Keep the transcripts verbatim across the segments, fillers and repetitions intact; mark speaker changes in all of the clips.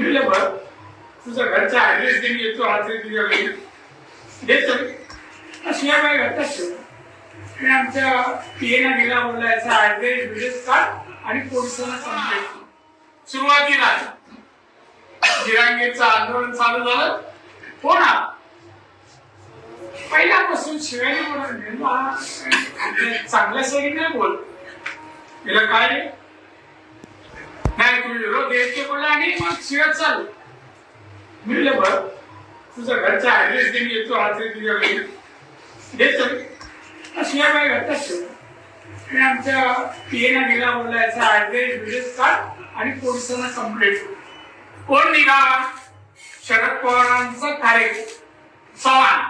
Speaker 1: म्हणलं बघ तुझा घरचा ऍड्रेस देऊन येतो आज तुझ्या घरी देतो शिवाय काय घरचाच ठेव आणि आमच्या पीएना गेला बोलला याचा ऍड्रेस बिड्रेस काढ आणि पोलिसांना सांगितलं. सुरुवातीला जिरांगेचं आंदोलन चालू झालं हो ना पहिल्यापासून शिवाजी बोलत चांगल्या सरी नाही बोल तिला काय नाही तुम्ही विरोध द्यायचे बोलला आणि मग शिवाय चालू म्हणलं बघ तुझा घरचा ऍड्रेस देऊन येतो आज तुझ्या घरी देतो शिवाय काय घरचाच ठेव आणि आमच्या पीएना गेला बोलला याचा ऍड्रेस बिड्रेस काढ आणि पोलिसांना कंप्लेंट कोण निघा शरद पवारांचा कार्यक्रम चव्हाण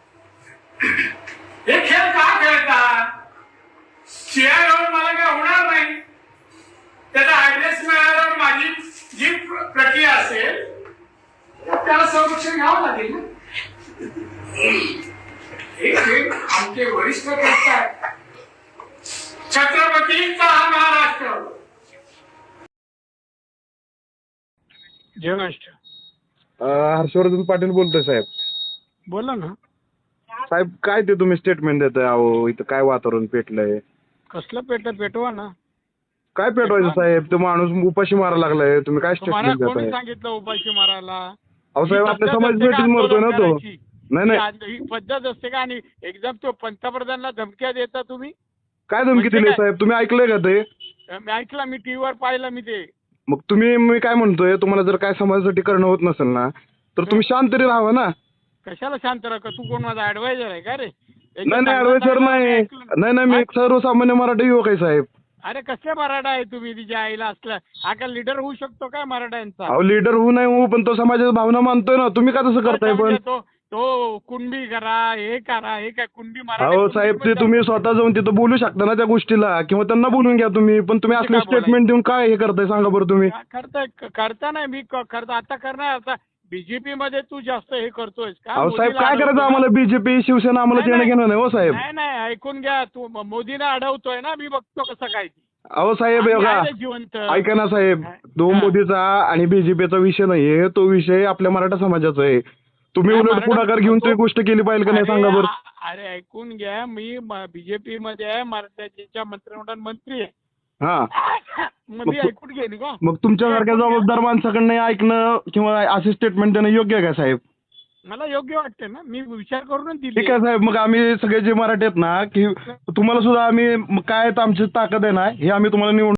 Speaker 1: हे खेळ का खेळतात शिवाय येऊन मला काय होणार नाही त्याचा ऍड्रेस मिळाल्यावर माझी जी प्रक्रिया असेल त्याला संरक्षण घ्यावं लागेल ना. हे खेळ आमचे वरिष्ठ करतात छत्रपतींचा हा महाराष्ट्र.
Speaker 2: जय महाराष्ट्र.
Speaker 3: हर्षवर्धन पाटील बोलतोय साहेब.
Speaker 2: बोला ना
Speaker 3: साहेब काय ते तुम्ही स्टेटमेंट देताय? अहो इथं काय वातावरण पेटलंय?
Speaker 2: कसलं पेट पेटवा ना.
Speaker 3: काय पेटवायचं साहेब? तो माणूस उपाशी मारायला लागलाय, तुम्ही काय
Speaker 2: तुम्हाला
Speaker 3: स्टेटमेंट
Speaker 2: कोणी
Speaker 3: देताय?
Speaker 2: सांगितलं उपाशी मारायला?
Speaker 3: अहो साहेब आपल्या समाज पेटीत मरतोय ना तो. नाही नाही
Speaker 2: ही पद्धत असते का? आणि एकदम तो पंतप्रधानांना धमक्या देता तुम्ही?
Speaker 3: काय धमकी दिली साहेब? तुम्ही ऐकलंय का ते?
Speaker 2: मी ऐकलं, मी टीव्हीवर पाहिलं मी ते.
Speaker 3: मग तुम्ही मी काय म्हणतोय, तुम्हाला जर काय समाजासाठी करणं होत नसेल ना तर तुम्ही शांत तरी राहावं ना.
Speaker 2: कशाला शांत राहा? तू कोण माझा ऍडवायझर आहे का रे?
Speaker 3: नाही नाही ऍडवायझर नाही नाही नाही मी एक सर्वसामान्य मराठी युवक आहे साहेब.
Speaker 2: अरे कसले मराठा आहे तुम्ही? तिच्या आईला असला हा का लीडर होऊ शकतो काय मराठ्यांचा?
Speaker 3: अहो लीडर होऊ नाही होऊ पण तो समाजाची भावना मानतोय ना. तुम्ही का तसं करताय? पण
Speaker 2: तो तो कुणबी करा हे करा हे काय कुणबी मराठा?
Speaker 3: अहो साहेब ते तुम्ही स्वतः जाऊन तिथं बोलू शकता ना त्या गोष्टीला, किंवा त्यांना बोलून घ्या तुम्ही. पण तुम्ही असले स्टेटमेंट देऊन काय हे करताय सांगा बरं तुम्ही?
Speaker 2: करताय करता नाही मी करता आता करणार. आता बीजेपी मध्ये तू जास्त हे करतोय का?
Speaker 3: अहो साहेब काय करायचं आम्हाला? बीजेपी शिवसेना आम्हाला देणं घेणं नाही हो साहेब.
Speaker 2: नाही नाही ऐकून घ्या. तू मोदीला अडवतोय ना, मी बघतो कसं काय.
Speaker 3: अहो साहेब बघा
Speaker 2: जिवंत
Speaker 3: ऐका ना साहेब, तो मोदीचा आणि बीजेपीचा विषय नाहीये, तो विषय आपल्या मराठा समाजाचा आहे. तुम्ही उलट पुढाकार घेऊन ती गोष्ट केली पाहिजे का नाही सांगा बरं?
Speaker 2: अरे ऐकून घ्या, मी बीजेपी मध्ये आहे, मराठ्याच्या मंत्रिमंडळ मंत्री आहे.
Speaker 3: हा
Speaker 2: मग मी ऐकून घेईन का?
Speaker 3: मग तुमच्यासारख्या जबाबदार माणसाकडनं ऐकणं किंवा असे स्टेटमेंट देणं योग्य आहे का साहेब?
Speaker 2: मला योग्य वाटते ना, मी विचार करूनच दिली.
Speaker 3: ठीक आहे साहेब, मग आम्ही सगळे जे मराठी आहेत ना की तुम्हाला सुद्धा आम्ही काय आमची ताकद आहे ना हे आम्ही तुम्हाला निवडून